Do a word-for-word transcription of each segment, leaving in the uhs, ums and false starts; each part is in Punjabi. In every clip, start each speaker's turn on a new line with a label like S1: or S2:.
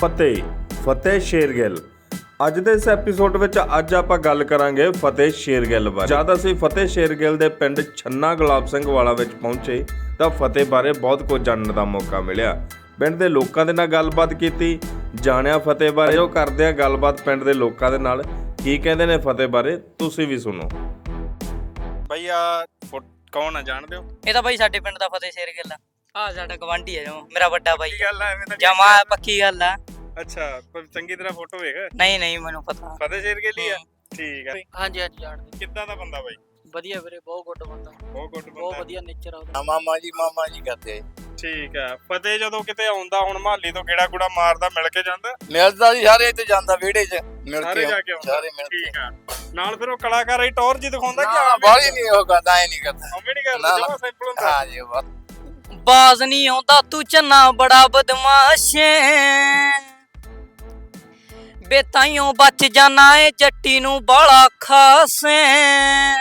S1: ਫਤਿਹ ਫਤਿਹ ਸ਼ੇਰਗਿੱਲ। ਅੱਜ ਦੇ ਇਸ ਐਪੀਸੋਡ ਵਿੱਚ ਅੱਜ ਆਪਾਂ ਗੱਲ ਕਰਾਂਗੇ ਫਤਿਹ ਸ਼ੇਰਗਿੱਲ ਬਾਰੇ। ਜਦ ਅਸੀਂ ਫਤਿਹ ਸ਼ੇਰਗਿੱਲ ਦੇ ਪਿੰਡ ਛੰਨਾ ਗੁਲਾਬ ਸਿੰਘ ਵਾਲਾ ਵਿੱਚ ਪਹੁੰਚੇ ਤਾਂ ਫਤਿਹ ਬਾਰੇ ਬਹੁਤ ਕੁਝ ਜਾਣਨ ਦਾ ਮੌਕਾ ਮਿਲਿਆ। ਪਿੰਡ ਦੇ ਲੋਕਾਂ ਦੇ ਨਾਲ ਗੱਲਬਾਤ ਕੀਤੀ, ਜਾਣਿਆ ਫਤਿਹ ਬਾਰੇ। ਉਹ ਕਰਦੇ ਆ ਗੱਲਬਾਤ ਪਿੰਡ ਦੇ ਲੋਕਾਂ ਦੇ ਨਾਲ, ਕੀ ਕਹਿੰਦੇ ਨੇ ਫਤਿਹ ਬਾਰੇ ਤੁਸੀਂ ਵੀ ਸੁਣੋ।
S2: ਬਈ ਆ ਕੌਣ ਆ, ਜਾਣਦੇ ਹੋ?
S3: ਇਹ ਤਾਂ ਬਾਈ ਸਾਡੇ ਪਿੰਡ ਦਾ ਫਤਿਹ ਸ਼ੇਰਗਿੱਲ ਆ। ਆ ਸਾਡਾ ਗਵਾਂਢੀ ਆ ਜਮਾ, ਮੇਰਾ ਵੱਡਾ ਬਾਈ।
S2: ਗੱਲ ਐਵੇਂ ਤਾਂ
S3: ਜਮਾ ਪੱਕੀ ਗੱਲ ਆ।
S2: ਅੱਛਾ, ਪਰ ਚੰਗੀ ਤਰ੍ਹਾਂ ਫੋਟੋ ਵੇਖ।
S3: ਨਹੀਂ ਨਹੀਂ ਮੈਨੂੰ ਪਤਾ।
S2: ਫਤਿਹ ਸ਼ੇਰਗਿੱਲ ਹੀ ਆ। ਠੀਕ ਆ।
S3: ਹਾਂਜੀ ਹਾਂਜੀ ਜਾਣਦੇ।
S2: ਕਿੱਦਾਂ ਦਾ ਬੰਦਾ ਬਾਈ?
S3: ਵਧੀਆ ਵੀਰੇ, ਬਹੁਤ ਗੁੱਡ ਬੰਦਾ,
S2: ਬਹੁਤ ਗੁੱਡ ਬੰਦਾ,
S3: ਬਹੁਤ ਵਧੀਆ ਨੇਚਰ ਆ ਉਹਦਾ।
S4: ਮਾਮਾ ਜੀ ਮਾਮਾ ਜੀ ਕਰਦੇ।
S2: ਠੀਕ ਆ। ਫਤਿਹ ਜਦੋਂ ਕਿਤੇ ਆਉਂਦਾ ਹੁਣ ਮਹੱਲੀ ਤੋਂ ਗੇੜਾ ਗੁੜਾ ਮਾਰਦਾ, ਮਿਲ ਕੇ ਜਾਂਦਾ?
S4: ਮਿਲਦਾ ਜੀ, ਸਾਰੇ ਤੇ ਜਾਂਦਾ ਵਿਹੜੇ 'ਚ ਮਿਲ
S2: ਸਾਰੇ
S4: ਕੇ
S2: ਜਾ ਕੇ ਆਉਂਦਾ।
S4: ਸਾਰੇ ਮਿਲ ਕੇ।
S2: ਠੀਕ ਆ। ਨਾਲ ਫਿਰ ਉਹ ਕਲਾਕਾਰ ਹੀ ਟੌਰ ਜੀ ਦਿਖਾਉਂਦਾ ਕਿ
S4: ਨਾ ਬਾਲੀ ਨਹੀਂ ਉਹ ਕਰਦਾ, ਐ ਨਹੀਂ ਕਰਦਾ।
S2: ਉਹ ਵੀ ਨਹੀਂ ਕਰਦਾ, ਜਮਾ ਸਿੰਪਲ ਹੁੰਦਾ।
S4: ਹਾਂ ਜੀ ਬਸ।
S3: ਬਾਜ਼ ਨਹੀਂ ਆਉਂਦਾ ਤੂੰ ਚੰਨਾ ਬੜਾ ਬਦਮਾਸ਼ ਏ, ਬੇਤਾਈਓ ਬਚ ਜਾਣਾ ਏ ਜੱਟੀ ਨੂੰ ਬਾਲਾ ਖਾਸ ਏ।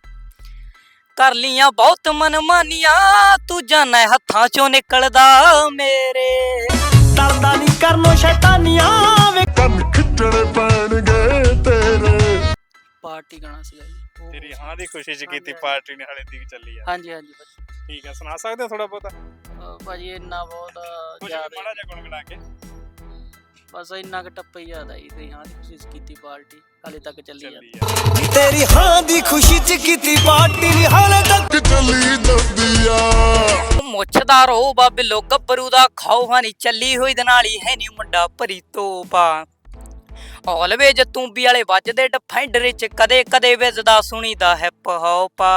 S3: ਕਰ ਲੀਆਂ ਬਹੁਤ ਮਨਮਾਨੀਆਂ ਤੂੰ ਜਾਣਾ ਹੱਥਾਂ ਚੋਂ ਨਿਕਲਦਾ ਮੇਰੇ।
S5: ਡਰਦਾ ਨਹੀਂ ਕਰਨੋਂ ਸ਼ੈਤਾਨੀਆਂ ਵੇ
S6: ਕੰਨ ਖਿੱਚਣੇ ਪੈਣਗੇ ਤੇਰੇ।
S3: ਪਾਰਟੀ ਗਾਣਾ ਸੀਗਾ ਜੀ।
S2: ਤੇਰੀ ਹਾਂ ਦੀ ਖੁਸ਼ੀ 'ਚ ਕੀਤੀ ਪਾਰਟੀ ਨੇ, ਹਾਲੇ ਤੀਕ ਚੱਲੀ ਆ।
S3: ਹਾਂਜੀ ਹਾਂਜੀ
S2: ਠੀਕ ਆ, ਸੁਣਾ ਸਕਦੇ ਹੋ ਥੋੜਾ ਬਹੁਤਾ?
S3: ਅਹ ਭਾਜੀ ਇੰਨਾ ਬਹੁਤ
S2: ਕੁਝ
S3: ਯਾਦ
S2: ਮਾੜਾ ਜਿਹਾ ਗੁਣਗੁਣਾ ਕੇ।
S3: ਬਸ ਇੰਨਾ ਕੁ ਟੱਪਾ ਹੀ ਯਾਦ ਆਈ ਤੇ ਹਾਂ ਦੀ ਕੋਸ਼ਿਸ਼ ਕੀਤੀ ਪਾਰਟੀ ਹਾਲੇ ਤੱਕ ਚੱਲੀ ਜਾਂਦੀ।
S2: ਚੱਲੀ ਆ।
S5: ਤੇਰੀ ਹਾਂ ਦੀ ਖੁਸ਼ੀ 'ਚ ਕੀਤੀ ਪਾਰਟੀ ਨਹੀਂ ਹਾਲੇ ਤੱਕ
S6: ਚੱਲੀ ਜਾਂਦੀ ਆ।
S3: ਮੁੱਛਦਾ ਰੋ ਬਾਬਿਲੋ ਗੱਭਰੂ ਦਾ ਖਾਓ ਹਾਨੀ ਚੱਲੀ ਹੋਈ ਦੇ ਨਾਲ ਹੀ ਹੈ ਨੀ ਮੁੰਡਾ ਭਰੀ ਤੋਪਾ। ਆਲਵੇਜ ਤੂੰਬੀ ਵਾਲੇ ਵੱਜਦੇ ਡਿਫੈਂਡਰ ਚ ਕਦੇ ਕਦੇ ਵੱਜਦਾ ਸੁਣੀਦਾ ਹੈ ਪਹੋਪਾ।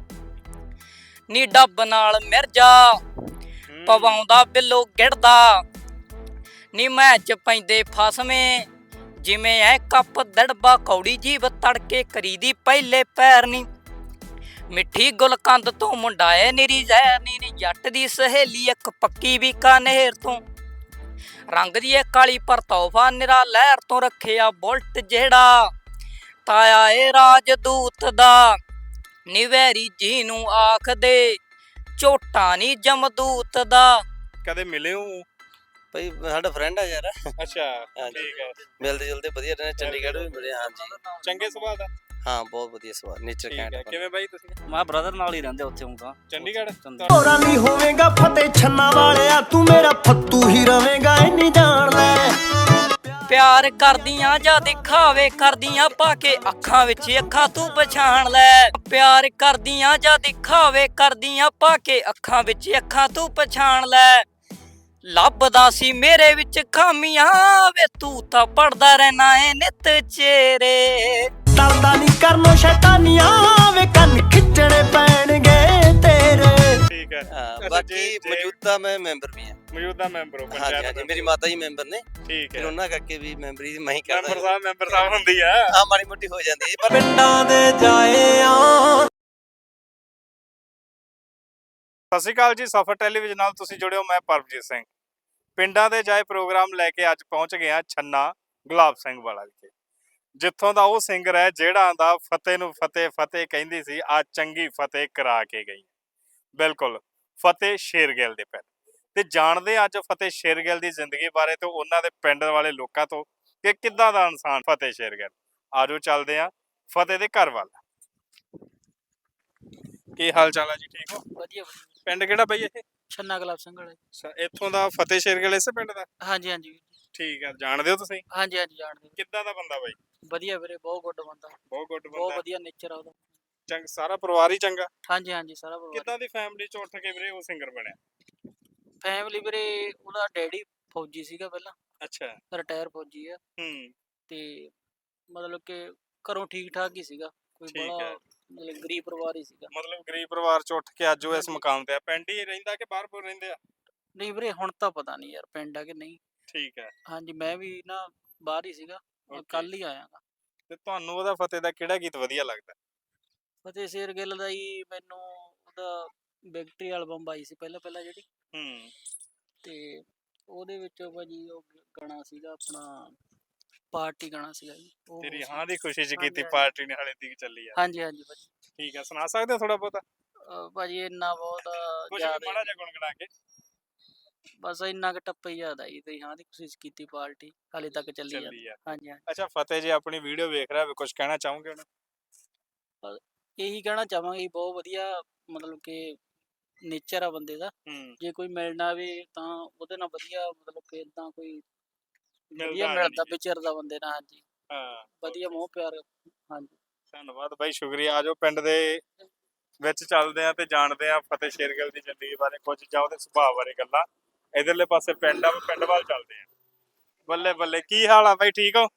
S3: ਨੀ ਡੱਬ ਨਾਲ ਮਿਰਜਾ ਪਵਾਉਂਦਾ ਬਿੱਲੋ ਗਿੜਦਾ, ਨੀ ਮੈਚ ਪੈਂਦੇ ਫਸਵੇਂ ਜਿਵੇਂ ਐ ਕੱਪ ਦੜਬਾ। ਕੌੜੀ ਜੀਵ ਤੜਕੇ ਕਰੀਦੀ ਪਹਿਲੇ ਪੈਰ ਨੀ, ਮਿੱਠੀ ਗੁਲਕੰਦ ਤੋਂ ਮੁੰਡਾ ਏ ਨਿਰੀ ਜ਼ਹਿਰ ਨੀ। ਨੀ ਜੱਟ ਦੀ ਸਹੇਲੀ ਇੱਕ ਪੱਕੀ ਬੀਕਾਨੇਰ ਤੋਂ, ਰੰਗ ਦੀ ਏ ਕਾਲੀ ਪਰ ਤੋਹਫਾ ਨਿਰਾ ਲਹਿਰ ਤੋਂ ਰੱਖਿਆ ਬੁਲਟ ਜਿਹੜਾ ਤਾਇਆ ਏ ਰਾਜਦੂਤ ਦਾ। ਨਿਵੈਰੀ ਜੀ ਨੂੰ ਆਖਦੇ ਝੋਟਾ ਨੀ ਜਮਦੂਤ ਦਾ।
S2: ਕਦੇ ਮਿਲੇ ਹੋ?
S4: ਭਾਈ ਸਾਡਾ ਫਰੈਂਡ ਆ ਯਾਰ।
S2: ਅੱਛਾ,
S4: ਹਾਂਜੀ।
S2: ਠੀਕ ਹੈ।
S4: ਮਿਲਦੇ ਜੁਲਦੇ ਵਧੀਆ ਰਹਿੰਦੇ, ਚੰਡੀਗੜ੍ਹ ਵੀ ਮਿਲੇ। ਹਾਂ ਜੀ,
S2: ਚੰਗੇ ਸੁਭਾਅ ਦਾ।
S4: ਹਾਂ ਬਹੁਤ ਵਧੀਆ ਸਵਾਦ, ਨੇਚਰ
S2: ਠੀਕ ਹੈ।
S4: ਕੈਂਟ।
S2: ਕਿਵੇਂ ਬਾਈ ਤੁਸੀਂ?
S3: ਮੈਂ ਬ੍ਰਦਰ ਨਾਲ ਹੀ ਰਹਿੰਦੇ ਉੱਥੇ ਹੁੰਦਾ
S2: ਚੰਡੀਗੜ੍ਹ।
S5: ਹੋਰਾਂ ਨਹੀਂ ਹੋਵੇਂਗਾ ਫਤਿਹ ਛੰਨਾ ਵਾਲਿਆ, ਤੂੰ ਮੇਰਾ ਫੱਤੂ ਹੀ ਰਵੇਂਗਾ ਇੰਨੀ ਜਾਣ ਲੈ।
S3: ਪਿਆਰ ਕਰਦੀਆਂ ਜਾਂ ਦਿਖਾਵੇ ਕਰਦੀਆਂ ਪਾ ਕੇ ਅੱਖਾਂ ਵਿੱਚ ਅੱਖਾਂ ਤੂੰ ਪਛਾਣ ਲੈ। ਪਿਆਰ ਕਰਦੀਆਂ ਜਾਂ ਦਿਖਾਵੇ ਕਰਦੀਆਂ ਪਾ ਕੇ ਅੱਖਾਂ ਵਿੱਚ ਅੱਖਾਂ ਤੂੰ ਪਛਾਣ ਲੈ। ਲੱਭਦਾ ਸੀ ਮੇਰੇ ਵਿੱਚ ਖਾਮੀਆਂ ਵੇ ਤੂੰ ਤਾਂ ਪੜਦਾ ਰਹਿਣਾ ਏ ਨਿਤ ਚਿਹਰੇ।
S5: ਡਰਦਾ ਨਹੀਂ ਕਰਨੋਂ ਸ਼ੈਤਾਨੀਆਂ ਵੇ ਕੰਨ ਖਿੱਚਣੇ ਪੈਣਗੇ ਤੇਰੇ।
S2: ਠੀਕ ਹੈ।
S4: ਹਾਂ ਬਾਕੀ ਮੌਜੂਦਾ ਮੈਂ ਮੈਂਬਰ ਵੀ ਹਾਂ।
S2: ਮੌਜੂਦਾ ਮੈਂਬਰ ਹੋ
S4: ਹਾਂਜੀ
S2: ਪੰਚਾਇਤ
S4: ਹਾਂਜੀ,
S2: ਦੇ?
S4: ਮੇਰੀ ਮਾਤਾ ਜੀ ਮੈਂਬਰ ਨੇ,
S2: ਠੀਕ
S4: ਫਿਰ
S2: ਹੈ।
S4: ਉਹਨਾਂ ਕਰਕੇ ਵੀ ਮੈਂਬਰੀ ਮੈਂ ਹੀ ਕਰਦਾ।
S2: ਮੈਂਬਰ ਸਾਹਿਬ ਮੈਂਬਰ ਸਾਹਿਬ ਹੁੰਦੀ ਆ।
S4: ਹਾਂ ਮਾੜੀ ਮੋਟੀ ਹੋ ਜਾਂਦੀ ਹੈ ਪਰ
S5: ਪਿੰਡਾਂ ਦੇ ਜਾਏ ਆ।
S2: ਸਤਿ ਸ਼੍ਰੀ ਅਕਾਲ ਜੀ, ਸਫਰ ਟੈਲੀਵਿਜ਼ਨ ਨਾਲ ਤੁਸੀਂ ਜੁੜਿਓ। ਮੈਂ ਪਰਮਜੀਤ ਸਿੰਘ। ਪਿੰਡਾਂ ਦੇ ਜਾਏ ਪ੍ਰੋਗਰਾਮ ਲੈ ਕੇ ਅੱਜ ਪਹੁੰਚ ਗਿਆ ਛੰਨਾ ਗੁਲਾਬ ਸਿੰਘ ਵਾਲਾ ਵਿਖੇ, ਜਿੱਥੋਂ ਦਾ ਉਹ ਸਿੰਗਰ ਹੈ ਜਿਹੜਾ ਦਾ ਫਤਿਹ ਨੂੰ ਫਤਿਹ ਫਤਿਹ ਕਹਿੰਦੀ ਸੀ, ਆ ਚੰਗੀ ਫਤਿਹ ਕਰਾ ਕੇ ਗਈ। ਬਿਲਕੁਲ ਫਤਿਹ ਸ਼ੇਰਗਿੱਲ ਦੇ ਪਿੰਡ। ਤੇ ਜਾਣਦੇ ਅੱਜ ਫਤਿਹ ਸ਼ੇਰਗਿੱਲ ਦੀ ਜ਼ਿੰਦਗੀ ਬਾਰੇ ਤੇ ਉਹਨਾਂ ਦੇ ਪਿੰਡ ਵਾਲੇ ਲੋਕਾਂ ਤੋਂ ਕਿ ਕਿੱਦਾਂ ਦਾ ਇਨਸਾਨ ਫਤਿਹ ਸ਼ੇਰਗਿੱਲ। ਆਜੋ ਚੱਲਦੇ ਆ ਫਤਿਹ ਦੇ ਘਰ ਵੱਲ। ਕੀ ਹਾਲ ਚਾਲ ਆ ਜੀ? ਠੀਕ ਹੋ?
S3: ਵਧੀਆ
S2: ਪਿੰਡ ਕਿਹੜਾ ਬਈ ਇਹ?
S3: ਛੰਨਾ ਗੁਲਾਬ ਸਿੰਘ ਵਾਲਾ।
S2: ਅੱਛਾ, ਇੱਥੋਂ ਦਾ ਫਤਿਹ ਸ਼ੇਰਗਿੱਲ ਇਸੇ ਪਿੰਡ ਦਾ?
S3: ਹਾਂਜੀ ਹਾਂਜੀ
S2: ਠੀਕ ਆ। ਜਾਣਦੇ ਹੋ ਤੁਸੀਂ?
S3: ਹਾਂਜੀ ਹਾਂਜੀ ਜਾਣਦੇ।
S2: ਕਿੱਦਾਂ ਦਾ ਬੰਦਾ ਬਾਈ?
S3: ਵਧੀਆ ਵੀਰੇ, ਬਹੁਤ ਗੁੱਡ ਬੰਦਾ,
S2: ਬਹੁਤ ਗੁੱਡ
S3: ਬਹੁਤ
S2: ਬੰਦਾ।
S3: ਵਧੀਆ ਨੇਚਰ ਆ ਉਹਦਾ।
S2: ਚੰਗ ਸਾਰਾ ਪਰਿਵਾਰ ਹੀ ਚੰਗਾ?
S3: ਹਾਂਜੀ ਹਾਂਜੀ ਸਾਰਾ ਪਰਿਵਾਰ।
S2: ਕਿੱਦਾਂ ਦੀ ਫੈਮਿਲੀ ਚ ਉੱਠ ਕੇ ਵੀਰੇ ਉਹ ਸਿੰਗਰ ਬਣਿਆ?
S3: ਫੈਮਿਲੀ ਵੀਰੇ ਉਹਦਾ ਡੈਡੀ ਫੌਜੀ ਸੀਗਾ ਪਹਿਲਾਂ,
S2: ਅੱਛਾ।
S3: ਰਿਟਾਇਰ ਫੌਜੀ ਆ।
S2: ਹੂੰ।
S3: ਤੇ ਮਤਲਬ ਕਿ ਘਰੋਂ ਠੀਕ ਠਾਕ ਹੀ ਸੀਗਾ, ਕੋਈ
S2: ਠੀਕ
S3: ਬੜਾ
S2: ਹੈ।
S3: ਮਤਲਬ ਗਰੀਬ ਪਰਿਵਾਰ ਹੀ ਸੀਗਾ।
S2: ਮਤਲਬ ਗਰੀਬ ਪਰਿਵਾਰ ਚ ਉੱਠ ਕੇ ਅੱਜ ਉਹ ਇਸ ਮੁਕਾਮ ਤੇ ਆ। ਪਿੰਡ ਹੀ ਰਹਿੰਦਾ ਕਿ ਬਾਹਰ ਬੁਰ ਰਹਿੰਦੇ ਆ?
S3: ਨਹੀਂ ਵੀਰੇ ਹੁਣ ਤਾਂ ਪਤਾ ਨਹੀਂ ਯਾਰ ਪਿੰਡ ਆ ਕਿ ਨਹੀਂ।
S2: ਠੀਕ ਹੈ।
S3: ਹਾਂਜੀ ਮੈਂ ਵੀ ਨਾ ਬਾਹਰ ਹੀ ਸੀਗਾ,
S2: Okay.
S3: ਕੱਲ ਹੀ ਆਇਆਗਾ।
S2: ਤੇ ਤੁਹਾਨੂੰ ਉਹਦਾ ਫਤਿਹ ਦਾ ਕਿਹੜਾ ਗੀਤ ਵਧੀਆ ਲੱਗਦਾ?
S3: ਫਤਿਹ ਸ਼ੇਰਗਿੱਲ ਦਾ ਹੀ ਮੈਨੂੰ ਉਹਦਾ ਵਿਕਟਰੀ ਐਲਬਮ ਆਈ ਸੀ ਪਹਿਲਾਂ ਪਹਿਲਾਂ ਜਿਹੜੀ,
S2: ਹੂੰ।
S3: ਤੇ ਉਹਦੇ ਵਿੱਚ ਭਾਜੀ ਉਹ ਗਾਣਾ ਸੀਗਾ ਆਪਣਾ ਪਾਰਟੀ ਗਾਣਾ ਸੀਗਾ ਜੀ। ਉਹ
S2: ਤੇਰੀ
S3: ਸੀ।
S2: ਹਾਂ ਦੀ ਖੁਸ਼ੀ ਚ
S3: ਹਾਂਜੀ,
S2: ਕੀਤੀ
S3: ਹਾਂਜੀ।
S2: ਪਾਰਟੀ ਨੇ, ਹਾਲੇ ਤੀਕ ਚੱਲੀ ਆ।
S3: ਹਾਂਜੀ ਹਾਂਜੀ ਭਾਜੀ।
S2: ਠੀਕ ਆ, ਸੁਣਾ ਸਕਦੇ ਹੋ ਥੋੜਾ ਬਹੁਤਾ?
S3: ਅਹ ਭਾਜੀ ਇੰਨਾ ਬਹੁਤ
S2: ਕੁਝ
S3: ਯਾਦ
S2: ਮਾੜਾ
S3: ਹੈ।
S2: ਜਿਹਾ ਗੁਣਗੁਣਾ ਕੇ।
S7: ਬਸ ਇੰਨਾ ਕੁ ਟੱਪਾ ਹੀ ਯਾਦ ਆਈ ਤੇ ਹਾਂ ਦੀ ਕੋਸ਼ਿਸ਼ ਕੀਤੀ ਪਾਰਟੀ ਹਾਲੇ ਤੱਕ ਚੱਲੀ
S2: ਚੱਲੀ
S7: ਜਾਂਦੀ
S2: ਆ।
S7: ਹਾਂਜੀ ਹਾਂਜੀ
S2: ਅੱਛਾ ਫਤਿਹ ਜੀ ਆਪਣੀ ਵੀਡੀਓ ਵੇਖ ਰਿਹਾ ਕੁਝ ਕਹਿਣਾ ਚਾਹੋਗੇ ਉਹਨੂੰ?
S7: ਇਹੀ ਕਹਿਣਾ ਚਾਹਾਂਗੇ ਜੀ, ਬਹੁਤ ਵਧੀਆ ਮਤਲਬ ਕਿ ਨੇਚਰ ਆ ਬੰਦੇ ਦਾ।
S2: ਹੂੰ
S7: ਜੇ ਕੋਈ ਮਿਲਣਾ ਵੀ ਤਾਂ ਉਹਦੇ ਨਾਲ ਵਧੀਆ ਮਤਲਬ ਕਿ ਇਦਾਂ ਕੋਈ ਵਧੀਆ
S2: ਮਿਲਦਾ
S7: ਮਿਲਦਾ
S2: ਨਹੀਂ।
S7: ਵਿਚਰਦਾ ਬੰਦੇ ਨਾਲ ਹਾਂਜੀ
S2: ਹਾਂ
S7: ਵਧੀਆ ਮੋਹ ਪਿਆਰ ਹਾਂਜੀ
S2: ਧੰਨਵਾਦ ਬਾਈ ਸ਼ੁਕਰੀਆ। ਆਜੋ ਪਿੰਡ ਦੇ ਵਿੱਚ ਚੱਲਦੇ ਆ ਤੇ ਜਾਣਦੇ ਆ ਫਤਿਹ ਸ਼ੇਰਗਿੱਲ ਦੀ ਜ਼ਿੰਦਗੀ ਬਾਰੇ ਕੁਝ ਜਾਂ ਉਹਦੇ ਸੁਭਾਅ ਬਾਰੇ ਗੱਲਾਂ। ਇਧਰਲੇ ਪਾਸੇ ਪਿੰਡ ਆ ਪਿੰਡ ਵੱਲ ਚੱਲਦੇ ਆ। ਬੱਲੇ ਬੱਲੇ ਕੀ ਹਾਲ ਆ ਬਾਈ ਠੀਕ ਹੋ?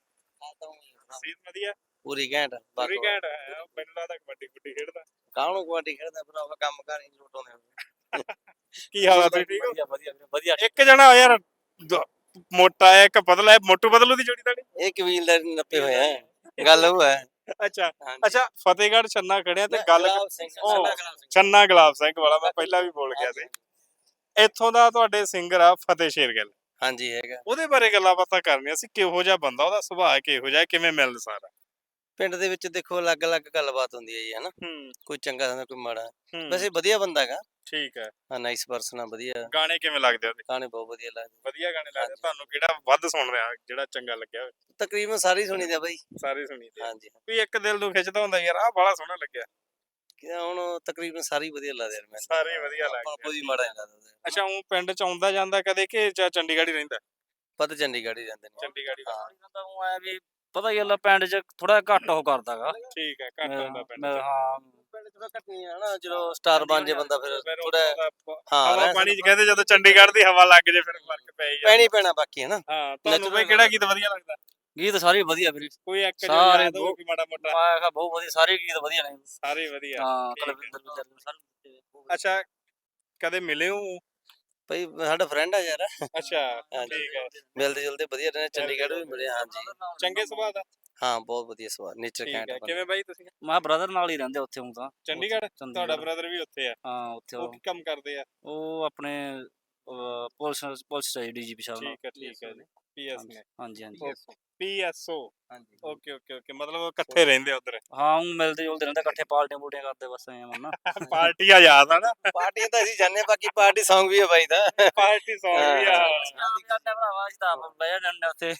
S2: ਸੀਤ ਵਧੀਆ
S4: ਪੂਰੀ ਘੈਂਟ
S2: ਪੂਰੀ ਘੈਂਟ ਹੈ। ਪਿੰਡ ਦਾ ਤਾਂ ਕਬੱਡੀ ਕੁੱਡੀ ਖੇਡਦਾ।
S4: ਕਾਹਨੂੰ ਕਬੱਡੀ ਖੇਡਦਾ ਭਰਾਵਾ ਕੰਮ ਕਰ ਹੀ ਲੋਟਾਉਂਦੇ
S2: ਕੀ ਹਾਲ ਆ ਤੁਸੀਂ ਠੀਕ ਹੋ?
S4: ਵਧੀਆ ਵਧੀਆ
S2: ਇੱਕ ਜਣਾ ਯਾਰ ਦ- ਮੋਟਾ ਹੈ ਇੱਕ ਪਤਲਾ ਹੈ ਮੋਟੂ ਬਦਲੂ ਦੀ ਜੋੜੀ ਤੁਹਾਡੀ?
S4: ਇਹ ਕਬੀਲਦਾਰ ਨੱਪੇ ਹੋਏ ਆ ਗੱਲ ਉਹ ਹੈ
S2: ਅੱਛਾ ਅੱਛਾ ਫਤਿਹਗੜ੍ਹ ਛੰਨਾ ਖੜਿਆ ਤੇ ਗੱਲ
S4: ਗੁਲਾਬ ਸਿੰਘ,
S2: ਉਹ,
S4: ਛੰਨਾ ਗੁਲਾਬ ਸਿੰਘ।
S2: ਛੰਨਾ ਗੁਲਾਬ ਸਿੰਘ ਵਾਲਾ ਮੈਂ ਪਹਿਲਾਂ ਵੀ ਬੋਲ ਗਿਆ ਸੀ। ਇੱਥੋਂ ਦਾ ਤੁਹਾਡੇ ਸਿੰਗਰ ਆ ਫਤਿਹ ਸ਼ੇਰਗਿੱਲ।
S4: ਹਾਂਜੀ ਹੈਗਾ।
S2: ਉਹਦੇ ਬਾਰੇ ਗੱਲਾਂ ਬਾਤਾਂ ਕਰਨੀਆਂ ਸੀ। ਕਿਹੋ ਜਿਹਾ ਬੰਦਾ, ਉਹਦਾ ਸੁਭਾਅ ਕਿਹੋ ਜਿਹਾ, ਕਿਵੇਂ ਮਿਲਣਸਾਰ ਆ?
S4: ਪਿੰਡ ਦੇ ਵਿੱਚ ਦੇਖੋ ਅਲੱਗ-ਅਲੱਗ ਗੱਲਬਾਤ ਹੁੰਦੀ ਹੈ ਜੀ ਹਨਾ।
S2: ਹੂੰ
S4: ਕੋਈ ਚੰਗਾ ਹੁੰਦਾ ਕੋਈ ਮਾੜਾ।
S2: ਹੂੰ
S4: ਵੈਸੇ ਵਧੀਆ ਬੰਦਾ ਹੈਗਾ।
S2: ਠੀਕ ਹੈ।
S4: ਹਾਂ ਨਾਈਸ ਪਰਸਨ ਆ ਵਧੀਆ।
S2: ਗਾਣੇ ਕਿਵੇਂ ਲੱਗਦੇ ਉਹਦੇ?
S4: ਗਾਣੇ ਬਹੁਤ ਵਧੀਆ ਲੱਗਦੇ।
S2: ਵਧੀਆ ਗਾਣੇ ਲੱਗਦੇ।
S4: ਹਾਂਜੀ।
S2: ਤੁਹਾਨੂੰ ਕਿਹੜਾ ਵੱਧ ਸੁਣ ਰਿਹਾ, ਜਿਹੜਾ ਚੰਗਾ ਲੱਗਿਆ ਹੋਵੇ?
S4: ਤਕਰੀਬਨ ਸਾਰੇ ਹੀ ਸੁਣੀਦੇ ਆ ਬਾਈ।
S2: ਸਾਰੇ ਸੁਣੀਦੇ ਆ।
S4: ਹਾਂਜੀ
S2: ਵੀ ਇੱਕ ਦਿਲ ਨੂੰ ਖਿੱਚਦਾ ਹੁੰਦਾ ਯਾਰ ਆਹ ਬੜਾ ਸੋਹਣਾ ਲੱਗਿਆ।
S4: ਕਿ ਹੁਣ ਤਕਰੀਬਨ ਸਾਰੇ ਹੀ ਵਧੀਆ ਲੱਗਦੇ ਯਾਰ ਮੈਨੂੰ।
S2: ਸਾਰੇ ਹੀ ਵਧੀਆ
S4: ਆਪਾਂ
S2: ਲੱਗਦੇ
S4: ਕੋਈ ਮਾੜਾ ਨਹੀਂ ਲੱਗਦਾ।
S2: ਅੱਛਾ ਉਹ ਪਿੰਡ ਚ ਆਉਂਦਾ ਜਾਂਦਾ ਕਦੇ ਕਿ ਜਾਂ ਚੰਡੀਗੜ੍ਹ ਹੀ ਰਹਿੰਦਾ?
S4: ਪਤਾ ਚੰਡੀਗੜ੍ਹ ਹੀ ਰਹਿੰਦੇ ਨੇ।
S2: ਚੰਡੀਗੜ੍ਹ ਹੀ ਰਹਿੰਦਾ।
S7: ਤਾਂ ਉਹ ਐ ਵੀ ਪਤਾ ਗੱਲ ਪਿੰਡ 'ਚ ਥੋੜਾ ਘੱਟ ਉਹ ਕਰਦਾਗਾ
S2: ਠੀਕ ਹੈ ਘੱਟ ਹੁੰਦਾ ਪਿੰਡ ਚ।
S7: ਹਾਂ
S4: ਪਿੰਡ ਥੋੜਾ ਘੱਟੀ ਆ ਹਨਾ ਜਦੋਂ ਸਟਾਰ ਬਣ ਜੇ ਬੰਦਾ ਫਿਰ
S2: ਫਿਰ
S4: ਥੋੜਾ ਹਾਂ
S2: ਹਵਾ
S4: ਰਹਿ
S2: ਪਾਣੀ ਚ ਕਹਿੰਦੇ ਜਦੋਂ ਚੰਡੀਗੜ੍ਹ ਦੀ ਹਵਾ ਲੱਗ ਜੇ ਫਿਰ ਫਰਕ ਪੈ ਹੀ ਜਾਂਦਾ।
S4: ਪੈਣੀ ਪੈਣਾ ਬਾਕੀ ਹਨਾ।
S2: ਹਾਂ ਤੁਹਾਨੂੰ
S4: Natural
S2: ਬਈ ਕਿਹੜਾ ਗੀਤ ਵਧੀਆ ਲੱਗਦਾ?
S7: ਗੀਤ ਸਾਰੇ ਵਧੀਆ ਵੀਰੇ
S2: ਕੋਈ ਇੱਕ ਜੋ
S7: ਸਾਰੇ
S2: ਯਾਦ ਹੋਵੇ
S7: ਬਹੁਤ-
S2: ਕੋਈ ਮਾੜਾ ਮੋਟਾ?
S7: ਮੈਂ ਕਿਹਾ ਬਹੁਤ ਵਧੀਆ ਸਾਰੇ ਗੀਤ ਵਧੀਆ ਨੇ
S2: ਸਾਰੇ ਵਧੀਆ।
S7: ਹਾਂ
S2: ਠੀਕ ਹੈ।
S7: ਕਲਵਿੰਦਰ ਵਿੰਦਰ ਸਾਰੇ
S2: ਅੱਛਾ ਕਦੇ ਮਿਲੇ ਹੋ?
S4: ਭਾਈ ਸਾਡਾ ਫਰੈਂਡ ਆ ਯਾਰ।
S2: ਅੱਛਾ
S4: ਹਾਂਜੀ।
S2: ਠੀਕ ਹੈ।
S4: ਮਿਲਦੇ ਜੁਲਦੇ ਵਧੀਆ ਰਹੇ ਚੰਡੀਗੜ੍ਹ ਵੀ ਮਿਲੇ ਹਾਂਜੀ।
S2: ਚੰਗੇ ਸੁਭਾਅ ਦਾ?
S4: ਹਾਂ ਬਹੁਤ ਵਧੀਆ ਸਵਾਦ ਨੇਚਰ
S2: ਠੀਕ
S4: ਘੈਂਟ
S2: ਹੈ।
S4: ਬੰਦਾ।
S2: ਕਿਵੇਂ ਬਾਈ ਤੁਸੀਂ?
S7: ਮੈਂ ਬ੍ਰਦਰ ਨਾਲ ਹੀ ਰਹਿੰਦੇ ਉੱਥੇ ਹੁਣ ਤਾਂ
S2: ਚੰਡੀਗੜ੍ਹ?
S7: ਚੰਡੀਗੜ੍ਹ।
S2: ਤੁਹਾਡਾ ਬ੍ਰਦਰ ਵੀ ਉੱਥੇ ਆ?
S7: ਹਾਂ ਉੱਥੇ
S2: ਉਹ
S7: ਉਹ
S2: ਕੀ ਕੰਮ ਕਰਦੇ ਆ?
S7: ਉਹ ਆਪਣੇ ਅਹ, ਪੁਲਿਸ ਪੁਲਿਸ ਚਾਹੀ ਡੀਜੀਪੀ ਸਾਹਿਬ ਨਾਲ
S2: ਠੀਕ ਹੈ ਠੀਕ ਹੈ ਜੀ। ਪੀਐਸ
S7: ਹਾਂਜੀ
S2: ਨੇ?
S7: ਹਾਂਜੀ ਹਾਂਜੀ
S2: ਪੀਐਸਓ।
S4: ਹਾਂਜੀ
S2: ਓਕੇ ਓਕੇ ਓਕੇ ਮਤਲਬ ਇਕੱਠੇ ਰਹਿੰਦੇ ਉਧਰ?
S7: ਹਾਂ ਉਹ ਮਿਲਦੇ ਜੁਲਦੇ ਰਹਿੰਦੇ ਇਕੱਠੇ ਪਾਰਟੀਆਂ ਪੂਟੀਆਂ ਕਰਦੇ ਬਸ ਐਂ ਮੰਨਾ
S2: ਪਾਰਟੀਆਂ ਯਾਦ ਆ ਨਾ?
S4: ਪਾਰਟੀਆਂ ਤਾਂ ਅਸੀਂ ਜਾਣਦੇ ਬਾਕੀ ਪਾਰਟੀ Song ਵੀ ਹੈ ਬਾਈ ਦਾ।
S2: ਪਾਰਟੀ ਸੌਂਗ ਵੀ ਆ।
S7: ਭਰਾਵਾ ਅਸੀਂ ਤਾਂ ਆਪ ਬਹਿ ਜਾਂਦੇ ਉੱਥੇ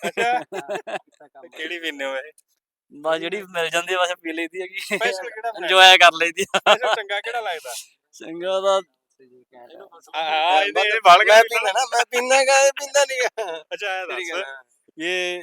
S2: ਅੱਛਾ ਕਿਹੜੀ ਪੀਂਦੇ ਹੋ ਇਹ?
S7: ਬਸ ਜਿਹੜੀ ਮਿਲ ਜਾਂਦੀ ਆ ਬਸ ਪੀ ਲਈਦੀ ਹੈਗੀ
S2: ਸਪੈਸ਼ਲ ਕਿਹੜਾ ਬਣਾਇਆ?
S7: ਇੰਜੋਏ ਕਰ ਲਈਦੀ ਆ
S2: ਸਪੈਸ਼ਲ ਚੰਗਾ ਕਿਹੜਾ ਲੱਗਦਾ?
S7: ਚੰਗਾ ਦਾ
S2: ਹਾਂ ਇਹਦੇ ਇਹ ਬਲ
S4: ਮੈਂ ਪੀਂਦਾ ਨਾ ਮੈਂ ਪੀਂਦਾ ਗਾ ਇਹ ਪੀਂਦਾ ਨਹੀਂ
S2: ਅੱਛਾ ਇਹ ਦੱਸ ਇਹ